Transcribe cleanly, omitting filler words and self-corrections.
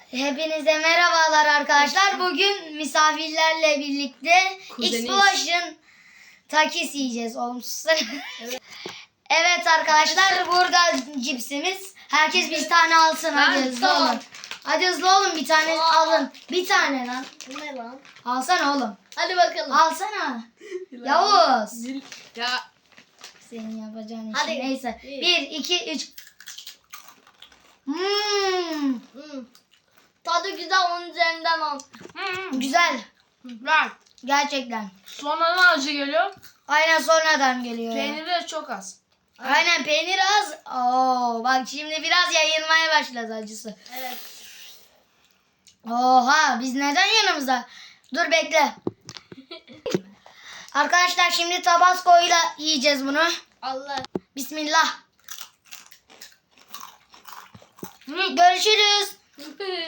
Hepinize merhabalar arkadaşlar. Bugün misafirlerle birlikte Explosion takis yiyeceğiz. Olumsuz. Evet arkadaşlar, burada cipsimiz. Herkes bir tane alsın. Hadi hızlı olun. Hadi hızlı olun, bir tane alın. Bir tane lan. Bu ne lan? Alsana oğlum. Hadi bakalım. Alsana. Yavuz. Ya. Senin yapacağın Hadi. işin. Neyse. Bir. 1, 2, 3. Tadı güzel, onun üzerinden 10. Güzel. Güzel. Gerçekten. Sonradan acı geliyor. Aynen, sonradan geliyor. Peyniri de çok az. Aynen, peynir az. Oo, bak şimdi biraz yayılmaya başladı acısı. Evet. Oha, biz neden yanımızda? Dur bekle. Arkadaşlar şimdi Tabasco ile yiyeceğiz bunu. Allah. Bismillah. Görüşürüz.